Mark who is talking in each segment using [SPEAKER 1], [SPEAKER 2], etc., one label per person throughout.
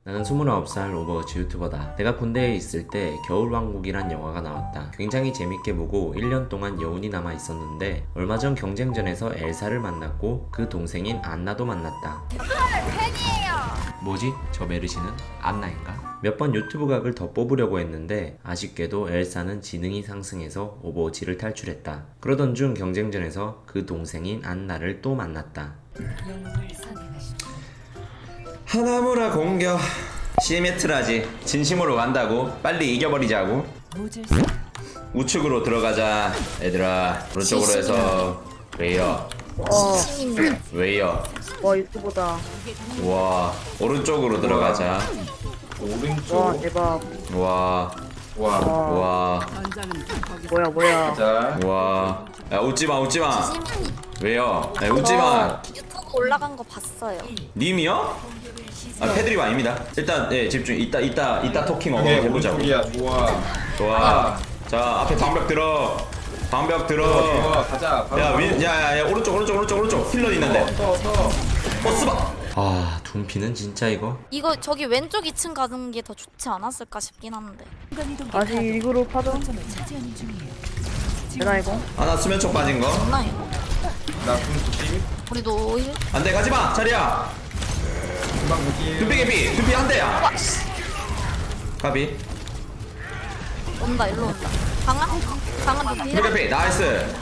[SPEAKER 1] 나는 29살 오버워치 유튜버다. 내가 군대에 있을 때 겨울왕국이란 영화가 나왔다. 굉장히 재밌게 보고 1년 동안 여운이 남아 있었는데 얼마 전 경쟁전에서 엘사를 만났고 그 동생인 안나도 만났다.
[SPEAKER 2] 팬이에요.
[SPEAKER 1] 뭐지? 저 메르시는 안나인가? 몇 번 유튜브 각을 더 뽑으려고 했는데 아쉽게도 엘사는 지능이 상승해서 오버워치를 탈출했다. 그러던 중 경쟁전에서 그 동생인 안나를 또 만났다. 하나무라 공격 시메트라지. 진심으로 간다고? 빨리 이겨버리자고? 우측으로 들어가자 얘들아. 오른쪽으로 해서 웨이어 웨이어.
[SPEAKER 3] 와 유튜브다.
[SPEAKER 1] 와 오른쪽으로 들어가자.
[SPEAKER 4] 오른쪽.
[SPEAKER 3] 와 대박.
[SPEAKER 1] 와
[SPEAKER 4] 와.
[SPEAKER 1] 와
[SPEAKER 3] 뭐야.
[SPEAKER 4] 자.
[SPEAKER 1] 와. 야 웃지마 웃지마. 왜요? 야 웃지마.
[SPEAKER 2] 유튜브 올라간 거 봤어요.
[SPEAKER 1] 님이요? 아 패드립 아닙니다. 일단 예 집중. 이따 토킹
[SPEAKER 4] 오케이,
[SPEAKER 1] 해보자고.
[SPEAKER 4] 오른쪽이야. 좋아.
[SPEAKER 1] 좋아. 자 앞에 방벽 들어. 방벽 들어.
[SPEAKER 4] 좋아. 가자.
[SPEAKER 1] 야 오른쪽 힐러 있는데.
[SPEAKER 4] 서.
[SPEAKER 1] 스바. 아 둠피는 진짜 이거.
[SPEAKER 2] 이거 저기 왼쪽 2층 가는 게 더 좋지 않았을까 싶긴 한데.
[SPEAKER 3] 다시 리그로 파도. 되나 이거?
[SPEAKER 1] 아나 수면촉 빠진 거.
[SPEAKER 2] 없나 이거?
[SPEAKER 4] 나궁 90.
[SPEAKER 2] 우리 노일?
[SPEAKER 1] 안돼 가지마 자리야.
[SPEAKER 4] 금방 무기.
[SPEAKER 1] 둠피 한 대야. 가비.
[SPEAKER 2] 온다 일로 온다. 강한 노일?
[SPEAKER 1] 둠피 나이스.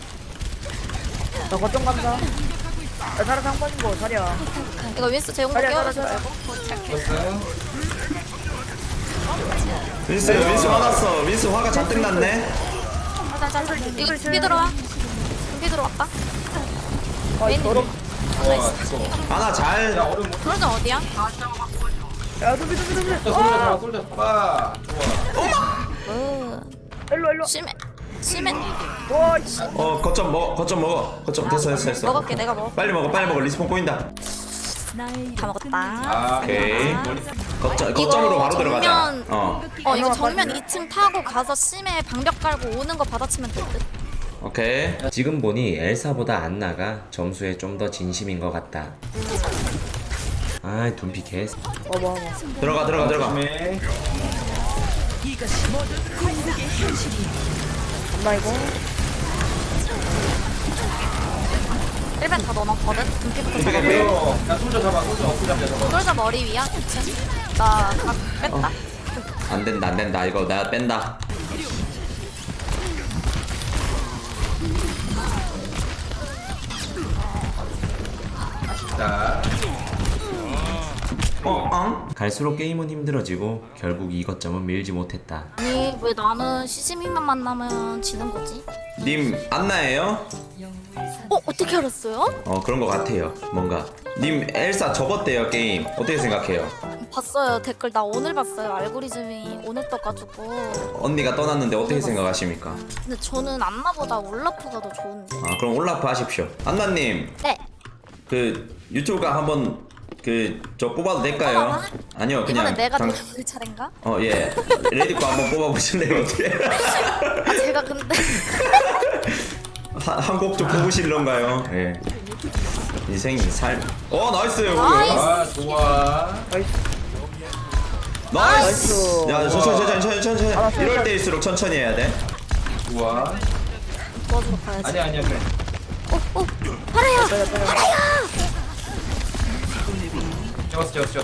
[SPEAKER 3] 나 거점 간다. 야 사람 상 빠진 거 자리야.
[SPEAKER 2] 이거 윈스 제공
[SPEAKER 3] 자리야
[SPEAKER 2] 깨워주지
[SPEAKER 3] 자리야.
[SPEAKER 2] 말고.
[SPEAKER 4] 됐어요.
[SPEAKER 1] 민스 화났어. 민스 화가 잔뜩 났네.
[SPEAKER 2] 자. 이거 준비 들어와. 준비 들어왔다.
[SPEAKER 3] 아
[SPEAKER 2] 왼.
[SPEAKER 3] 더럽.
[SPEAKER 4] 와, 이거.
[SPEAKER 1] 하나 잘.
[SPEAKER 4] 야, 얼음 못.
[SPEAKER 2] 그러자 어디야?
[SPEAKER 3] 야 두비.
[SPEAKER 4] 솔져 잡아. 솔져 잡아. 좋아.
[SPEAKER 3] 일로.
[SPEAKER 2] 심해.
[SPEAKER 3] 와 씨.
[SPEAKER 1] 거점 먹어. 거점 됐어.
[SPEAKER 2] 먹을게 내가 먹어.
[SPEAKER 1] 빨리 먹어. 리스폰 꼬인다.
[SPEAKER 2] 다 먹었다.
[SPEAKER 4] 아,
[SPEAKER 1] 오케이.
[SPEAKER 2] 이거
[SPEAKER 1] 거점으로 바로 들어가자.
[SPEAKER 2] 정면 이거 정면 2층 타고 가서 심해 방벽 깔고 오는 거 받아치면 될 듯.
[SPEAKER 1] 오케이. 지금 보니 엘사보다 안나가 점수에 좀 더 진심인 것 같다. 아이 둠피 개.
[SPEAKER 3] 어머.
[SPEAKER 1] 들어가.
[SPEAKER 4] 조심해.
[SPEAKER 3] 엄마 이거.
[SPEAKER 2] 1벤 다 넣어놨거든? 등피부터
[SPEAKER 1] 둠피
[SPEAKER 2] 잡아.
[SPEAKER 1] 개피.
[SPEAKER 4] 야, 솔져 잡아. 솔져 어떻게 잡냐 잡아.
[SPEAKER 2] 솔저 머리 위야 2층. 나각 뺐다.
[SPEAKER 1] 안 된다. 이거 나 뺀다.
[SPEAKER 4] 자.
[SPEAKER 1] 갈수록 게임은 힘들어지고 결국 이 거점은 밀지 못했다.
[SPEAKER 2] 아니 왜 나는 시즈미만 만나면 지는 거지?
[SPEAKER 1] 님 안나예요?
[SPEAKER 2] 어떻게 알았어요?
[SPEAKER 1] 그런 것 같아요. 뭔가. 님 엘사 접었대요 게임. 어떻게 생각해요?
[SPEAKER 2] 봤어요 댓글. 나 오늘 봤어요. 알고리즘이 오늘 떠가지고.
[SPEAKER 1] 언니가 떠났는데 어떻게 생각하십니까?
[SPEAKER 2] 근데 저는 안나보다 올라프가 더 좋은데.
[SPEAKER 1] 아 그럼 올라프 하십시오. 안나님
[SPEAKER 2] 네.
[SPEAKER 1] 그 유튜브가 한번 저 뽑아도 될까요?
[SPEAKER 2] 뽑아봐.
[SPEAKER 1] 아니요 그냥
[SPEAKER 2] 이번엔 내가 노릴 차례인가?
[SPEAKER 1] 예 레디코 한번 뽑아보실래요? 어떻게?
[SPEAKER 2] 아 제가 근데
[SPEAKER 1] 한 곡 좀 뽑으실런가요? 예. 인생이 나이스.
[SPEAKER 2] 나이스.
[SPEAKER 4] 아, 좋아.
[SPEAKER 1] 나이스. 야
[SPEAKER 3] 아,
[SPEAKER 1] 천천히. 이럴 때일수록 천천히 해야 돼.
[SPEAKER 4] 좋아.
[SPEAKER 2] 도와주러 가야지.
[SPEAKER 4] 아니야, 그래.
[SPEAKER 2] 파래요.
[SPEAKER 4] 찍었어.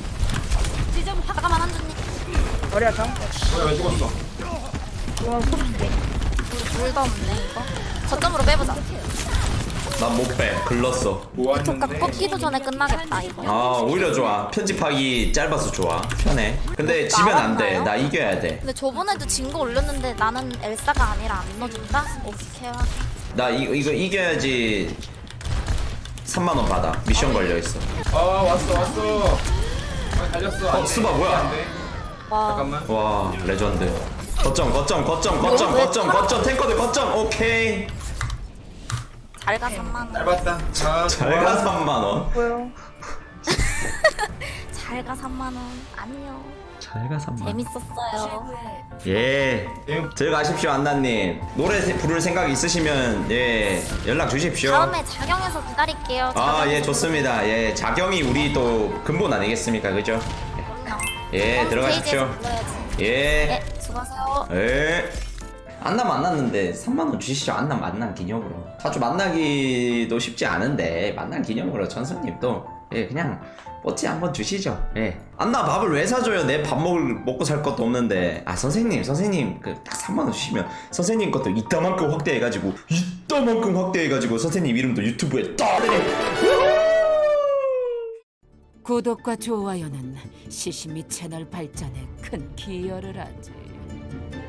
[SPEAKER 2] 잠깐만 한준님.
[SPEAKER 3] 자리야 장.
[SPEAKER 4] 왜 죽었어?
[SPEAKER 3] 와
[SPEAKER 2] 물도 없네 이거. 거점으로 빼보자.
[SPEAKER 1] 난 못 빼. 글렀어.
[SPEAKER 2] 족각
[SPEAKER 4] 모았는데.
[SPEAKER 2] 꺾기도 전에 끝나겠다 이거.
[SPEAKER 1] 아 오히려 좋아. 편집하기 짧아서 좋아. 편해. 근데 지면 안 돼.
[SPEAKER 2] 나왔나요?
[SPEAKER 1] 나 이겨야 돼.
[SPEAKER 2] 근데 저번에도 진 거 올렸는데 나는 엘사가 아니라 안 넣어준다? 오케이.
[SPEAKER 1] 나 이거 이겨야지 3만 원 받아. 미션 걸려 있어.
[SPEAKER 4] 왔어. 아, 달렸어. 안 돼.
[SPEAKER 1] 수바 뭐야?
[SPEAKER 4] 안 돼.
[SPEAKER 2] 와.
[SPEAKER 4] 잠깐만.
[SPEAKER 1] 와 레전드. 거점 탱커들 거점. 오케이.
[SPEAKER 2] 잘가 3만원.
[SPEAKER 4] 짧았다. 자,
[SPEAKER 1] 잘가 3만 원.
[SPEAKER 3] 뭐야?
[SPEAKER 2] 잘가 3만원. 안녕.
[SPEAKER 1] 잘가 3만 원.
[SPEAKER 2] 재밌었어요.
[SPEAKER 1] 예. 들어가십시오 안나님. 노래 부를 생각 있으시면 예 연락 주십시오.
[SPEAKER 2] 다음에 자경에서 기다릴게요.
[SPEAKER 1] 아 예 좋습니다. 예 자경이 우리 또 근본 아니겠습니까 그죠? 예. 예, 들어가십시오.
[SPEAKER 2] 스테이지에서 불러야지.
[SPEAKER 1] 예.
[SPEAKER 2] 네, 수고하세요.
[SPEAKER 1] 예. 안나 만났는데 3만원 주시죠. 안나 만난 기념으로. 자주 만나기도 쉽지 않은데 만난 기념으로 전선님 또 예, 그냥 뽀찌 한번 주시죠. 예. 안나 밥을 왜 사줘요? 내 밥 먹고 살 것도 없는데. 아 선생님 그 딱 3만원 주시면 선생님 것도 이따만큼 확대해가지고 선생님 이름도 유튜브에 떠르네.
[SPEAKER 5] 구독과 좋아요는 시시미 채널 발전에 큰 기여를 하지.